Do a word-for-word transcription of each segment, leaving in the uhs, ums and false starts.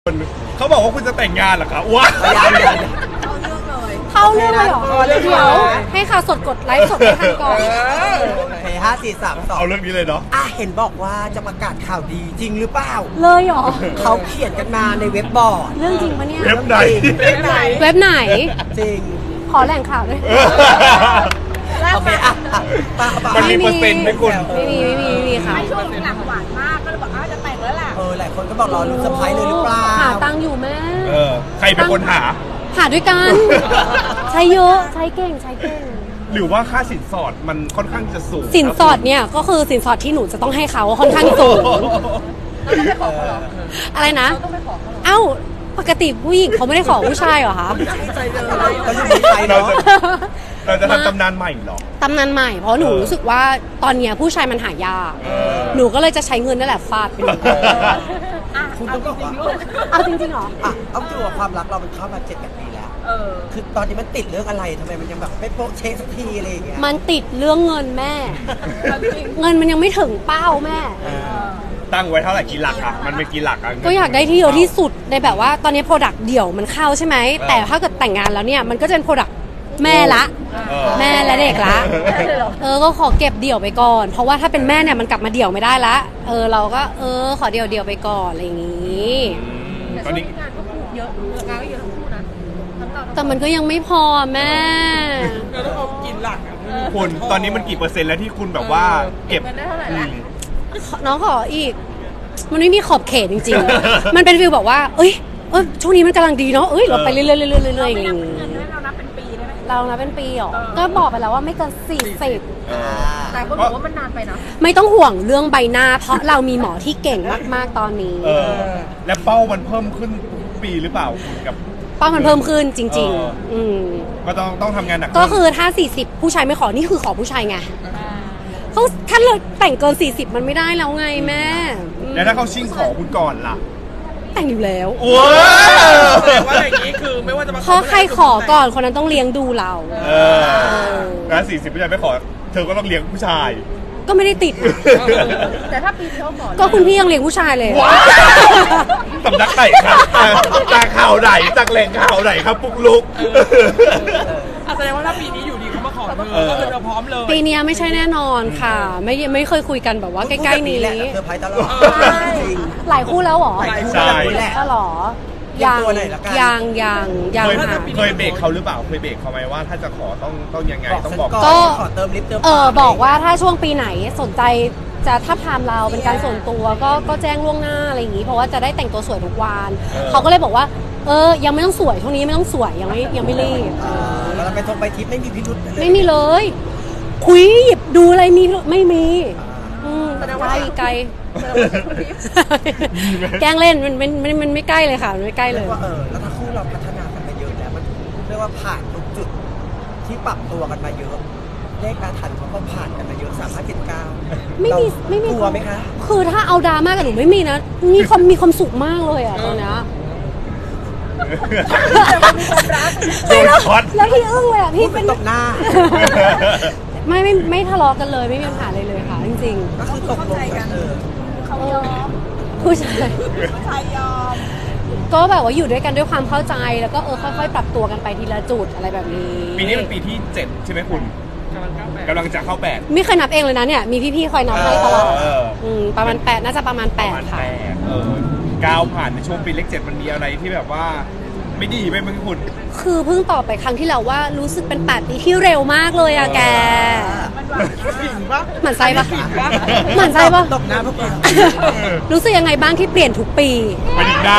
เขาบอกว่าคุณจะแต่งงานเหรอคะว้าเข้าเรื่องเลยเหรอเดี๋ยวให้ข่าวสดกดไลฟ์สดให้ทันก่อนโอเคห้าสี่สามสองเอาเรื่องนี้เลยเนาะอ่ะเห็นบอกว่าจะประกาศข่าวดีจริงหรือเปล่าเลยเหรอเขาเขียนกันมาในเว็บบอร์ดเรื่องจริงปะเนี่ยเว็บไหนเว็บไหนเว็บไหนจริงขอแหล่งข่าวด้วยโอเคอ่ะมันมีเปอร์เซ็นต์ไหมคุณไม่มีไม่มีไม่มีค่ะช่วงหลังหวานมากก็เลยบอกอ้าวจะแต่งแล้วล่ะเออหลายคนก็บอกรอลุ้นเซอร์ไพรส์เลยหรือเปล่าหาตังค์อยู่แม่เออใครเป็นคนหาหาด้วยกันใช้เยอะใช้เก่งใช้เก่งหรือว่าค่าสินสอดมันค่อนข้างจะสูงสินสอดเนี่ยก็คือสินสอดที่หนูจะต้องให้เขาค่อนข้างสูงอะไรนะเอ้าปกติผู้หญิงเขาไม่ได้ขอผู้ชายเหรอคะเราจะเราจะทำตำนานใหม่หรอตำนานใหม่เพราะหนูรู้สึกว่าตอนเนี้ยผู้ชายมันหายากหนูก็เลยจะใช้เงินนั่นแหละฟาดไปเลยคุณต้องบอกว่าเอาจริงๆเหรออ่ะเอาตัวความรักเรามันเข้ามาเจ็ดแปดปีแล้วคือตอนนี้มันติดเรื่องอะไรทำไมมันยังแบบไม่โป๊ะเช๊สักทีอะไรอย่างเงี้ยมันติดเรื่องเงินแม่เงินมันยังไม่ถึงเป้าแม่ตั้งไว้เท่าไหร่กี่หลักอ่ะมันเป็นกี่หลักอ่ะก็อยากได้ที่เยอะที่สุดในแบบว่าตอนนี้โปรดักต์เดี่ยวมันเข้าใช่ไหมแต่ถ้าเกิดแต่งงานแล้วเนี่ยมันก็จะเป็นโปรดักต์แม่ละแม่และเด็กละเออก็ขอเก็บเดี่ยวไปก่อนเพราะว่าถ้าเป็นแม่เนี่ยมันกลับมาเดี่ยวไม่ได้ละเออเราก็เออขอเดี่ยวเดี่ยวไปก่อนอะไรอย่างงี้ตอนนี้งานก็พูดเยอะงานก็เยอะทั้งคู่นะแต่มันก็ยังไม่พอแม่เราต้องเอากินหลักคุณตอนนี้มันกี่เปอร์เซ็นต์แล้วที่คุณแบบว่าเก็บได้เท่าไหร่ละน้องขออีกมันไม่มีขอบเขตจริงๆมันเป็นฟีลบอกว่าเอ้ยเออช่วงนี้มันกำลังดีเนาะเอ้ยเราไปเรื่อยๆเรื่อยๆอย่างงี้เรานับเป็นปีได้ไหมเรานับเป็นปีหรอก็บอกไปแล้วว่าไม่เกินสี่สิบแต่คนบอกว่ามันนานไปนะไม่ต้องห่วงเรื่องใบหน้าเพราะเรามีหมอที่เก่งมากๆตอนนี้และเป้ามันเพิ่มขึ้นทุกปีหรือเปล่ากับเป้ามันเพิ่มขึ้นจริงๆอืมก็ต้องต้องทำงานหนักก็คือถ้าสี่สิบผู้ชายไม่ขอนี่คือขอผู้ชายไงเขาถ้าเราแต่งเกินสี่สิบมันไม่ได้แล้วไงแม่แล้วถ้าเขาชิ่งขอคุณก่อนล่ะแต่งอยู่แล้วโอ้แต่ว่าอย่างนี้คือไม่ว่าจะมาเพราะใครขอก่อนคนนั้นต้องเลี้ยงดูเราเออแล้วสี่สิบผู้ชายไม่ขอเธอก็ต้องเลี้ยงผู้ชายก็ไม่ได้ติดแต่ถ้าปีที่เขาขอก็คุณพี่ยังเลี้ยงผู้ชายเลยสำนักไหนครับจากข่าวไหนจากแหล่งข่าวไหนครับปุ๊กลุกแสดงว่าถ้าปีนี้อยู่ดีเขามาขอเธอก็คือเราพร้อมเลยปีนี้ไม่ใช่แน่นอนค่ะไม่ไม่เคยคุยกันแบบว่าใกล้ๆนี้เธอพายตลอดหลายคู่แล้วหรอใช่ก็หรอยังยังยังยังเคยเบรกเขาหรือเปล่าเคยเบรกเขาไหมว่าถ้าจะขอต้องต้องยังไงต้องบอกก็ขอเติมลิฟต์เติมเออบอกว่าถ้าช่วงปีไหนสนใจจะถ้าพามเราเป็นการส่วนตัวก็ก็แจ้งล่วงหน้าอะไรอย่างนี้เพราะว่าจะได้แต่งตัวสวยทุกวันเขาก็เลยบอกว่าเออยังไม่ต้องสวยช่วงนี้ไม่ต้องสวยยังไม่ยังไม่รีบเราไปทงไปทิปไม่มีพิรุธไม่มีเลยคุยหยิบดูอะไรมีไม่มีไกลไกลแกล้งเล่นมันมันมันมันไม่ใกล้เลยค่ะมันไม่ใกล้เลยว่าเออแล้วถ้าคู่เราพัฒนากันมาเยอะแล้วมันเรียกว่าผ่านทุกจุดที่ปรับตัวกันมาเยอะเลขอาถรรพ์เขาก็ผ่านกันมาเยอะสามห้าเจ็ดเก้าไม่มีไม่มีกลัวไหมคะคือถ้าเอาดราม่ากับหนูไม่มีนะมีความมีความสุขมากเลยอ่ะตอนนี้แล้วแล้วพี่อึ้งเลยอ่ะพี่เป็นตบหน้าไม่ไม่ไม่ทะเลาะกันเลยไม่มีปัญหาเลยเลยค่ะจริงๆก็คือตกลงกันเออเขายอมผู้ชายผู้ชายยอมก็แบบว่าอยู่ด้วยกันด้วยความเข้าใจแล้วก็เออค่อยๆปรับตัวกันไปทีละจุดอะไรแบบนี้ปีนี้เป็นปีที่เจ็ดใช่ไหมคุณกำลังจะเข้าแปดไม่เคยนับเองเลยนะเนี่ยมีพี่ๆคอยนับให้ตลอดประมาณแปดน่าจะประมาณแปดค่ะก้าวผ่านในช่วงปีเลขเจ็ดมันมีอะไรที่แบบว่าไม่ดีไหมมึงคุณคือเพิ่งตอบไปครั้งที่แล้วว่ารู้สึกเป็นแปดปีที่เร็วมากเลยอะแกหมั่นไส้ปะหมั่นไส้ปะตบหน้าพวกเรารู้สึกยังไงบ้างที่เปลี่ยนทุกปีไปถึงหน้า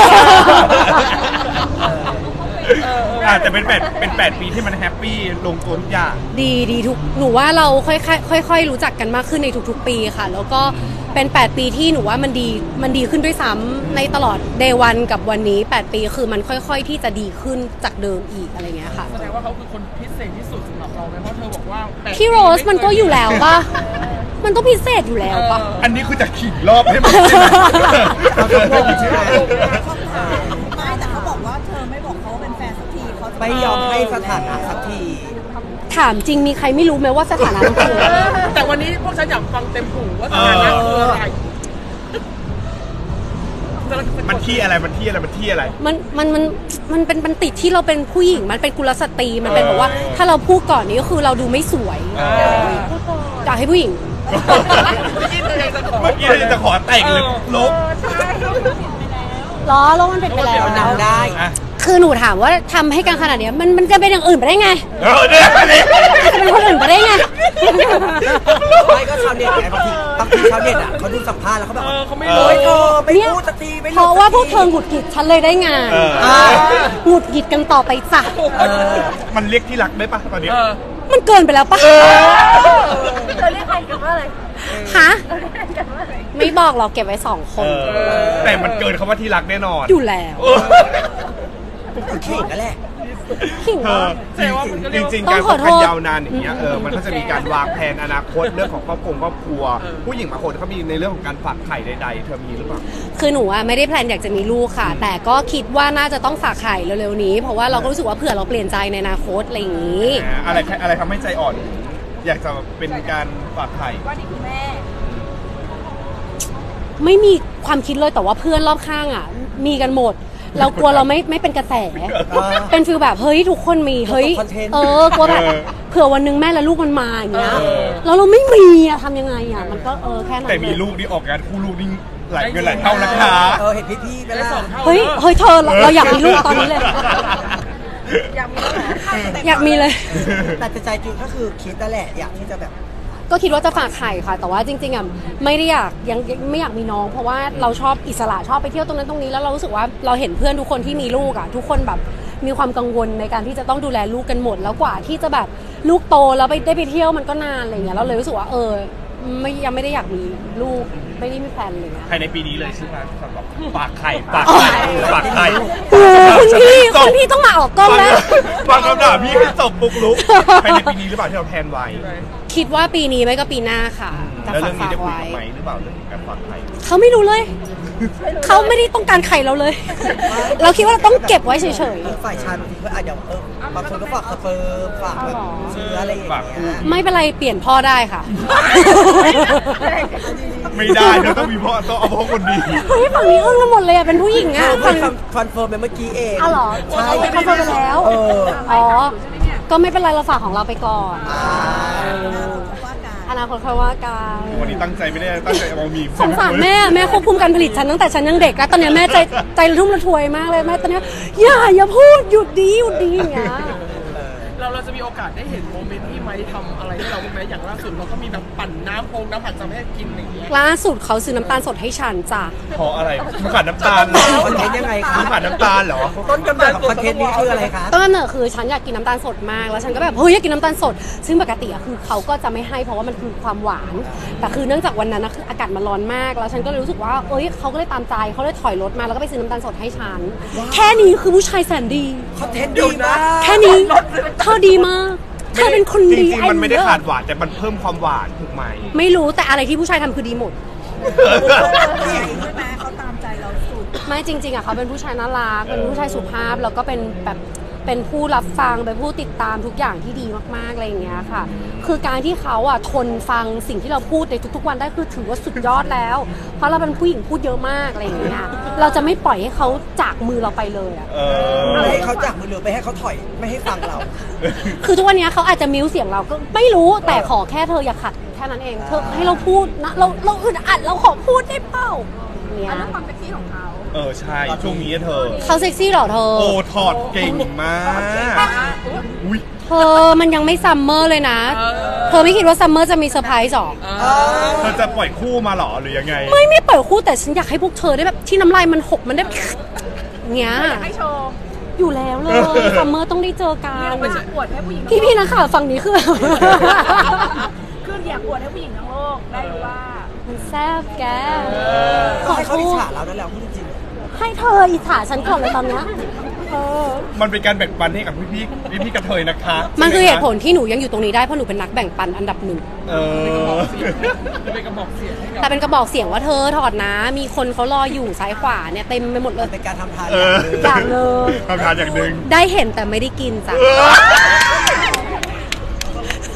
อาจจะเป็นแปดเป็นแปดปีที่มันแฮปปี้ลงตัวทุกอย่างดีดีทุกหนูว่าเราค่อยๆค่อยๆรู้จักกันมากขึ้นในทุกๆปีค่ะแล้วก็เป็นแปดปีที่หนูว่ามันดีมันดีขึ้นด้วยซ้ำในตลอดเดย์วันกับวันนี้แปดปีคือมันค่อยๆที่จะดีขึ้นจากเดิมอีกอะไรเงี้ยค่ะแสดงว่าเขาคือคนพิเศษที่สุดสำหรับเราไหมเพราะเธอบอกว่าพี่โรสมันก็อยู่แล้วป่ะมันต้องพิเศษอยู่แล้วป่ะอันนี้คือจะขิงรอบให้มันเขาจะงงใช่ไหมไม่แต่เขาบอกว่าเธอไม่บอกเขาเป็นแฟนสักทีเขาไม่ยอมให้สถานะสักทีถามจริงมีใครไม่รู้ไหมว่าสถานะมันคืออะไรแต่วันนี้พวกฉันอยากฟังเต็มหูว่าสถานะคืออะไรมันที่อะไรมันที่อะไรมันที่อะไรมันมันมันมันเป็นมันติดที่เราเป็นผู้หญิงมันเป็นกุลสตรีมันเป็นแบบว่า ถ้าเราพูดก่อนนี้ก็คือเราดูไม่สวยอยากให้ผู้หญิงเมื่อกี้จะขอแต่งเลยลบล้อแล้วมันเป็นไปแล้วนำได้อ่ะคือหนูถามว่าทำให้กันขนาดเนี้ยมันมันจะเป็นอย่างอื่นไปได้ไงเออเนี่ยนี่จะเป็นคนอื่นไปได้ไงไม่ก็ชาวเน็ตไงบางทีบางทีชาวเน็ตอ่ะเขาดูสัมภาษณ์แล้วเขาแบบเออเขาไม่โอ๊รู้ยเธอไม่เนี่ยพูดสักทีไม่เพราะว่าพวกเธอหงุดหงิดฉันเลยได้งานเอออ่าหงุดหงิดกันต่อไปจ้ะเออมันเรียกที่รักได้ปะตอนเนี้ยเออมันเกินไปแล้วปะเออเธอเรียกใครกันว่าอะไรฮะเธอเรียกใครกันว่าอะไรไม่บอกเราเก็บไว้สองคเอน อแต่มันเกินคำว่าที่รักแน่นอนอยู่แล้วเออคือขิงนั่นแหละขิงเธเหรออแสดงว่ามันก็เรีจยกว่าริงๆต้กาอรงขคอบ โทกันษยาวนานอย่างเงี้ยเออมันก็จะมีการวางแผนอนาคตเรื่องของครอบครัวครอบครัว ผู้หญิงบางคนเขามีในเรื่องของการฝากไข่ใดๆเธอมีหรือเปล่าคือหนูอะไม่ได้แพลนอยากจะมีลูกค่ะ แต่ก็คิดว่าน่าจะต้องฝากไข่เร็วๆนี้ เพราะว่าเราก็รู้สึกว่าเผื่อเราเปลี่ยนใจในอนาคตอะไรอย่างนี้อะไรอะไรทำให้ใจอ่อน อยากจะเป็นการฝากไข่ว่านี่คือแม่ไม่มีความคิดเลยแต่ว่าเพื่อนรอบข้างอ่ะ มีกันหมด เรากลัวเราไม่ไม่เป็นกระแสอเป็นฟีลแบบเฮ้ยทุกคนมีเฮ้ยคอนเทนต์เออกลัวแบบเออเผื่อวันหนึงแม่และลูกมันมาอย่างเงี้ยเออแล้วเราไม่มีอะทำยังไงอะมันก็เออแค่นั้นแต่มีเลยลูกนี่ออกงานคู่ลูกนี่หลายเงินหลายเท่านะคะเออเห็นพี่ๆไปได้แล้วสองเท่าเฮ้ยเฮ้ยเธอเราเราอยากมีลูกตอนนี้เลยอยากมีแล้วเหรออยากมีเลยแต่ใจจริงก็คือคิดนั่นแหละอยากที่จะแบบก็คิดว่าจะฝากไข่ค่ะ แต่ว่าจริงๆอ่ะไม่ได้อยากยังยังไม่อยากมีน้อง เพราะว่าเราชอบอิสระชอบไปเที่ยวตรงนั้นตรงนี้แล้วเรารู้สึกว่าเราเห็นเพื่อนทุกคนที่มีลูกอ่ะทุกคนแบบมีความกังวลในการที่จะต้องดูแลลูกกันหมด แล้วกว่าที่จะแบบลูกโตแล้วไปได้ไปเที่ยวมันก็นานอะไรเงี้ยเราเลยรู้สึกว่าเออไม่ยังไม่ได้อยากมีลูกไม่ได้มีแฟนเลยนะภายในปีนี้เลยใช่ไหมสำหรับฝากไข่ฝากไข่ฝากไข่โอ้คุณพี่จบคุณพี่ต้องมาออกกล้องแล้วฟังคำด่าพี่ให้จบปุกลุกภายในปีนี้หรือเปล่าที่เราแพลนไว้คิดว่าปีนี้ไม่ก็ปีหน้าค่ะจะแล้วฝาเรื่กองนี้ฝากได้คุยไว้กับไหมหรือเปล่าเรื่องการฝากไข่เขาไม่รู้เลย เขาไม่ได้ต้องการไข่เราเลย เราคิดว่าเราต้องเก็บไว้เฉยๆฝ่ายชายบางทีก็อาจจะเออบางคนก็ฝากสเปิร์มฝากแบบเชื้ออะไรอย่างเงี้ยไม่เป็นไรเปลี่ยนพ่อได้ค่ะไม่ได้เดี๋ยวต้องมีพ่อต้องเอาพ่อคนดีเฮ้ยฝั่งนี้อึ้งกันหมดเลยอ่ะเป็นผู้หญิงอ่ะเพิ่งคอนเฟิร์มไปเมื่อกี้เองอ้าวเหรอใช่เขาเข้าไปแล้วเอออ๋อ ก็ไม่เป็นไรเราฝากของเราไปก่อนอ่าอนาคตค่อยว่ากันวันนี้ตั้งใจไม่ได้ตั้งใจเอามีมสงสารแม่แม่ควบคุมการผลิตฉันตั้งแต่ฉันยังเด็กแล้วตอนเนี้ยแม่ใจใจระทุ่มระทวยมากเลยแม่ตอนเนี้ยอย่าอย่าพูดหยุดดีหยุดดีอย่างเงี้ยเราเราจะมีโอกาสได้เห็นโมเมนต์ที่ไม้ทำอะไรให้เราบ้างไหมอย่างล่าสุดเราก็มีแบบปั่นน้ำโพงน้ำผัดจำให้กินอย่างเงี้ยล่าสุดเขาซื้อน้ำตาลสดให้ฉันจ้ะเพราะอะไรมึงขาดน้ำตาลเหรอคอนเทนต์ยังไงคะมึงขาดน้ำตาลเหรอต้นกำเนิดของคอนเทนต์นี้คืออะไรคะต้นกำเนิดคือฉันอยากกินน้ำตาลสดมากแล้วฉันก็แบบเฮ้ยอยากกินน้ำตาลสด ซึ่งปกติอะคือเขาก็จะไม่ให้เพราะว่ามันคือความหวาน แต่คือเนื่องจากวันนั้นนะคืออากาศมันร้อนมากแล้วฉันก็เลยรู้สึกว่าเอ้ยเขาก็เลยตามใจเขาเลยถอยรถมาแล้วก็ไปซื้อน้ำตาลสดให้ฉันแค่นี้คือผู้ชายแสนดีคอนเทนต์ดีมากแค่นี้เธอดีมากเธอเป็นคนจดีริงๆมันไม่ได้อ้เลิศขาดหวานแต่มันเพิ่มความหวานถูกไหมไม่รู้แต่อะไรที่ผู้ชายทำคือดีหมดใช่ไหมเขาตามใจเราสุดไม่จริงๆอ่ะเขาเป็นผู้ชายน่ารักเป็นผู้ชายสุภาพแล้วก็เป็นแบบเป็นผู้รับฟังเป็นผู้ติดตามทุกอย่างที่ดีมากๆอะไรอย่างเงี้ยค่ะ คือการที่เขาอ่ะทนฟังสิ่งที่เราพูดในทุกๆวันได้คือถือว่าสุดยอดแล้ว เพราะเราเป็นผู้หญิงพูดเยอะมากอะไรอย่างเงี้ยเราจะไม่ปล่อยให้เขาจากมือเราไปเลยอ่ะเอไม่อให้เขาจากมือหรือไปให้เขาถอยไม่ให้ฟังเราคือทุกวันเนี้ยเขาอาจจะมิวเสียงเราก็ไม่รู้แต่ขอแค่เธออย่าขัดแค่นั้นเองเธอให้เราพูดนะเราเราอึดอัดเราขอพูดได้เปล่าเนี่ยอันนั้นความเซ็กซี่ของเขาเออใช่ช่วงนี้เธอเขาเซ็กซี่เหรอเธอโอ้ถอดเก่งมากอุ้ยเธอมันยังไม่ซัมเมอร์เลยนะ เธอไม่คิดว่าซัมเมอร์จะมีเซอร์ไพรส์หรอเธอจะปล่อยคู่มาเหรอหรือยังไงไม่ไม่เปิดคู่แต่ฉันอยากให้พวกเธอได้แบบที่น้ำลายมันหกมันได้แบบเงี้ยให้โชว์อยู่แล้วเลยซัมเมอร์ต้องได้เจอกันไม่ใช่อวดให้ผู้หญิงพี่พี่ๆนักข่าวฝั่งนี้คือคืออยากอวดให้ผู้หญิงทั้งโลกได้รู้ว่ามันแซ่บแกขอให้เขาโทอิจษฉาเรานั่นแหละพูดจริงให้เธออิจฉาฉันก่อนเลยตอนเนี้ยเออมันเป็นการแบ่งปันให้กับพี่พี่พี่พี่ๆกระเทยนะคะมันคือเหตุผลที่หนูยังอยู่ตรงนี้ได้เพราะหนูเป็นนักแบ่งปันอันดับหนึ่งเออจะเป็นกระบอกเสียงให้กับแต่เป็นกระบอกเสียงว่าเธอถอดนะ มีคนเขารออยู่ซ้ายขวาเนี่ยเต็มไปหมดเลยเป็นการทำทานเอออย่างหนึ่งอย่างเลยทำทานอย่างหนึ่งได้เห็นแต่ไม่ได้กินจ้ะเออ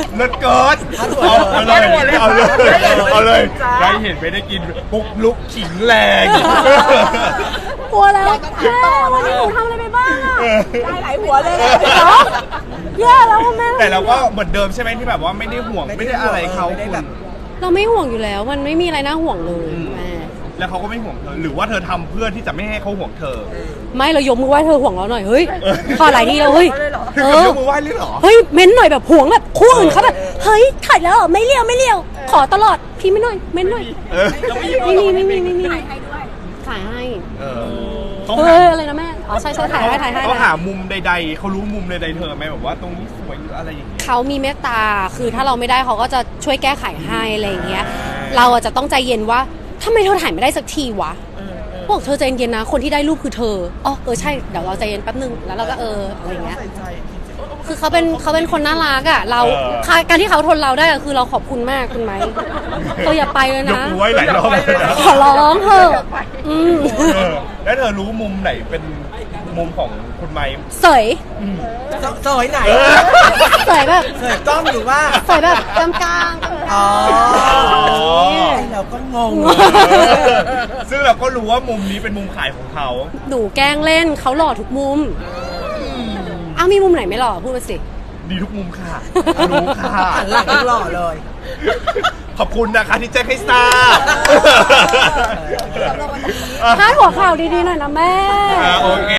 เลิศเกินเอาเอาเลยเอาเลยเอาเลยได้เห็นไม่ได้กินปุ๊กลุกขิงแรงกลัวแล้วแม่วันนี้หนูทำอะไรไปบ้างอะได้หลายหัวเลยเหรอแย่แล้วอะแม่แต่เราก็เหมือนเดิมใช่ไหมที่แบบว่าไม่ได้ห่วงไม่ได้อะไรเขาไม่ได้แบบเราไม่ห่วงอยู่แล้ว มันไม่มีอะไรน่าห่วงเลยแม่แล้วเขาก็ไม่ห่วงเธอหรือว่าเธอทำเพื่อที่จะไม่ให้เขาห่วงเธอไม่เรายกมือไหว้เธอห่วงเราหน่อยเฮ้ยขอหลายทีแล้วเฮ้ยเธเอออยกมือไหว้เลยเหรอเฮ้ยเม้นหน่อยแบบห่วงแบบคู่อื่นเขาแบบเฮ้ยถ่ายแล้วเหรอไม่เลี้ยวไม่เลี้ยวขอตลอดพี่ไม่หน่อยเม้นหน่อยเออไม่มีไม่มีไม่มีให้ด้วยถ่ายให้เออเขาเอหาออะไรนะแม่อ๋อใช่ใช่ถ่ายให้ถ่ายให้เขาหามุมใดๆเขารู้มุมใดๆเธอไหมแบบว่าตรงนี้สวยหรืออะไรอย่างเงี้ยเขามีเมตตาคือถ้าเราไม่ได้เขาก็จะช่วยแก้ไขให้อะไรอย่างเงี้ยเราอะจะต้องใจเย็นว่าทำไมเธอถ่ายไม่ได้สักทีวะบอกเธอใจเย็นนะคนที่ได้รูปคือเธออ๋อเออใช่เดี๋ยวเราใจเย็นแป๊บนึงแล้วเราก็เอออะไรอย่างเงี้ยใส่ใจจริงๆเออคือเขาเป็นเขาเป็นคนน่ารักอ่ะเราเออการที่เขาทนเราได้อะคือเราขอบคุณมากคุณไหมเธออย่าไปเลยยกนะมือไหว้หลายรอบเลยนะขอร้องเถอะอืมเออแล้วเธอรู้มุมไหนเป็นมุมของคุณไม้เสยสวยไหนเออเสยแบบสวยกล้องหรือว่าเสยแบบกลางกลางอ๋อๆไอเราก็งงซึ่งเราก็รู้ว่ามุมนี้เป็นมุมขายของเขาหนูแกล้งเล่นเขาหล่อทุกมุมอ้าวมีมุมไหนไม่หล่อพูดมาสิดีทุกมุมค่ะรู้ค่ะหันหลังยังหล่อเลยขอบคุณนะคะที่แจ้งให้ทราบพาดหัวข่าวดีๆหน่อยนะแม่อ่าโอเค